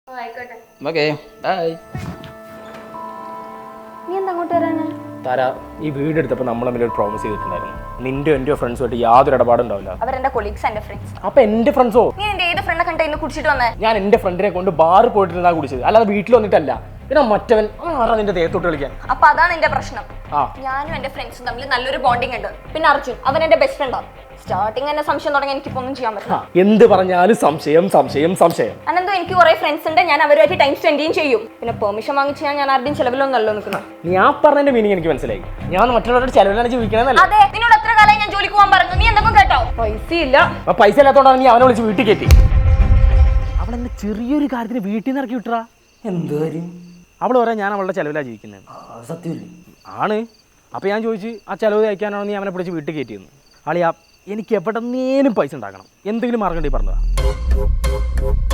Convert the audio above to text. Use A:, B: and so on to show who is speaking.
A: Okay bye.
B: നീ എന്താ അങ്ങോട്ട് വരാന്?
C: താര, ഈ വീട് എടുത്തപ്പോൾ നമ്മൾ തമ്മിൽ ഒരു പ്രോമിസ് ചെയ്തിട്ടുണ്ടായിരുന്നു. നിന്റെ എൻ്റെ ഫ്രണ്ട്സുമായിട്ട് യാതൊരു ഇടപാടുണ്ടാവില്ല.
B: അവരെന്റെ കൊളീഗ്സ്, എന്റെ ഫ്രണ്ട്സ്.
C: അപ്പൊ എന്റെ ഫ്രണ്ട്സോ?
B: നീ എന്റെ ഏത് ഫ്രണ്ടെ കണ്ട ഇന്ന് കുടിച്ചിട്ട് വന്നേ?
C: ഞാൻ എന്റെ ഫ്രണ്ടിനെ കൊണ്ട് ബാറിൽ പോയിട്ടിരുന്നാ കുടിച്ചത്, അല്ലാതെ വീട്ടിൽ വന്നിട്ടല്ല. പിന്നെ മറ്റവൻ ആരാ നിന്റെ ദേഹത്തോട്ട് കളിക്കാൻ?
B: അപ്പൊ അതാണ് എന്റെ പ്രശ്നം. ഞാനും എന്റെ ഫ്രണ്ട്സും തമ്മിൽ നല്ലൊരു ബോണ്ടിങ് ഉണ്ട്. പിന്നെ അർജുൻ, അവൻ എന്റെ ബെസ്റ്റ് ഫ്രണ്ടാണ്. സ്റ്റാർട്ടിങ് എന്നെ സംശയം തുടങ്ങി എനിക്കിപ്പോ ഒന്നും ചെയ്യാൻ പറ്റില്ല.
C: എന്ത് പറഞ്ഞാലും സംശയം സംശയം സംശയം.
B: അനന്തോ എനിക്ക് കുറെ ഫ്രണ്ട്സ് ഉണ്ട്, ഞാൻ അവരുമായിട്ട് ടൈം സ്പെൻഡ് ചെയ്യും. പിന്നെ പെർമിഷൻ വാങ്ങിച്ച് ഞാൻ ആരുടെയും ചെലവിലൊന്നല്ലോ നിൽക്കുന്നത്.
C: ഞാൻ പറഞ്ഞതിന്റെ മീനിങ് എനിക്ക് മനസ്സിലായി. ഞാൻ മറ്റുള്ളവരുടെ ചെലവിലാണ് ജീവിക്കണമെന്നല്ല.
B: അതെ, നിന്നോട് എത്ര കാലമായി ഞാൻ ജോലിക്ക് പോകാൻ പറഞ്ഞു, നീ എന്തെങ്കിലും കേട്ടോ? പൈസ ഇല്ല.
C: പൈസ ഇല്ലാത്തോണ്ടാണ് നീ അവനെ വിളിച്ച് വീട്ടിൽ കയറ്റി. അവളെന്നെ ചെറിയൊരു കാര്യത്തിന് വീട്ടിൽ നിന്ന് ഇറക്കി വിട്ടറാ.
A: എന്ത് കാര്യം?
C: അവൾ പറയാൻ ഞാൻ അവളുടെ ചെലവിലാണ് ജീവിക്കുന്നത്.
A: സത്യമല്ലേ?
C: ആണ്. അപ്പോൾ ഞാൻ ചോദിച്ചു, ആ ചെലവ് അയക്കാനാണോ നീ അവനെ പിടിച്ച് വീട്ടിൽ കയറ്റിയെന്ന്. ആളിയാ, എനിക്ക് എവിടെന്നേലും പൈസ ഉണ്ടാക്കണം, എന്തെങ്കിലും മാർഗം ഉണ്ടെങ്കിൽ പറഞ്ഞതാ.